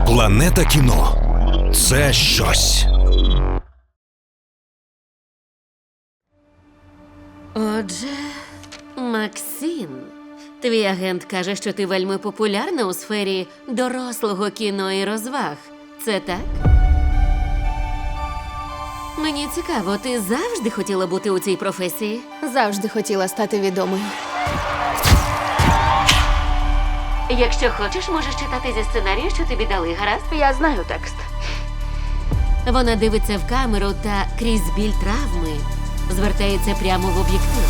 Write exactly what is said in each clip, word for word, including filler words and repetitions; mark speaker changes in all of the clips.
Speaker 1: Планета кіно – це щось.
Speaker 2: Отже, Максим, твій агент каже, що ти вельми популярна у сфері дорослого кіно і розваг. Це так? Мені цікаво, ти завжди хотіла бути у цій професії?
Speaker 3: Завжди хотіла стати відомою.
Speaker 2: Якщо хочеш, можеш читати зі сценарію, що тобі дали, гаразд?
Speaker 3: Я знаю текст.
Speaker 2: Вона дивиться в камеру та крізь біль травми звертається прямо в об'єктив.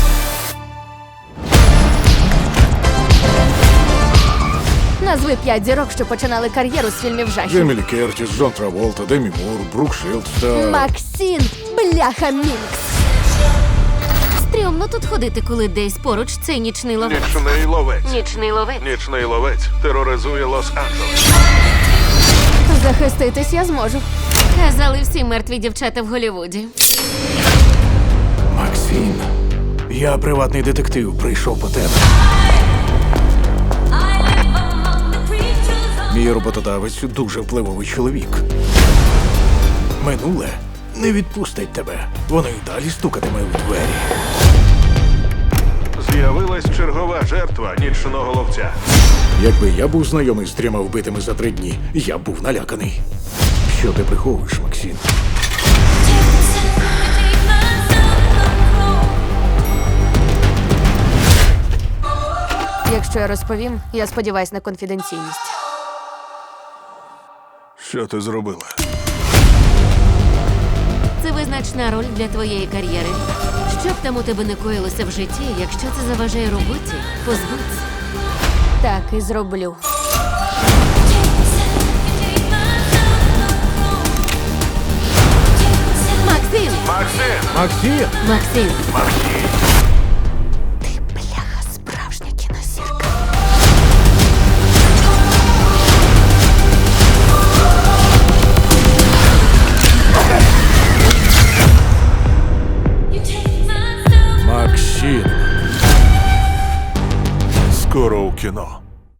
Speaker 3: Назви п'ять зірок, що починали кар'єру з фільмів жахів.
Speaker 4: Джеймі Лі Кертіс, Джон Траволта, Демі Мур, Брук Шилдс та...
Speaker 3: Максим, бляха Мінкс.
Speaker 2: Стрьомно тут ходити, коли десь поруч цей нічний ловець.
Speaker 5: Нічний ловець.
Speaker 2: Нічний ловець.
Speaker 5: Нічний ловець тероризує Лос-Анджелес.
Speaker 3: Захиститись я зможу.
Speaker 2: Казали всі мертві дівчата в Голлівуді.
Speaker 4: Максим, я приватний детектив, прийшов по тебе. Мій роботодавець дуже впливовий чоловік. Минуле не відпустить тебе. Воно й далі стукатиме у двері.
Speaker 5: З'явилась чергова жертва нічного ловця.
Speaker 4: Якби я був знайомий з трьома вбитими за три дні, я б був наляканий. Що ти приховуєш, Максим?
Speaker 3: Якщо я розповім, я сподіваюсь на конфіденційність.
Speaker 5: Що ти зробила?
Speaker 2: Це визначна роль для твоєї кар'єри. Що б там у тебе не коїлося в житті, якщо це заважає роботі, позбудься.
Speaker 3: Так і зроблю.
Speaker 2: Максим!
Speaker 5: Максим!
Speaker 4: Максим!
Speaker 2: Максим!
Speaker 5: Максим!
Speaker 3: Ти, бляха, справжня кінозірка.
Speaker 4: Максим!
Speaker 5: Скоро у кіно.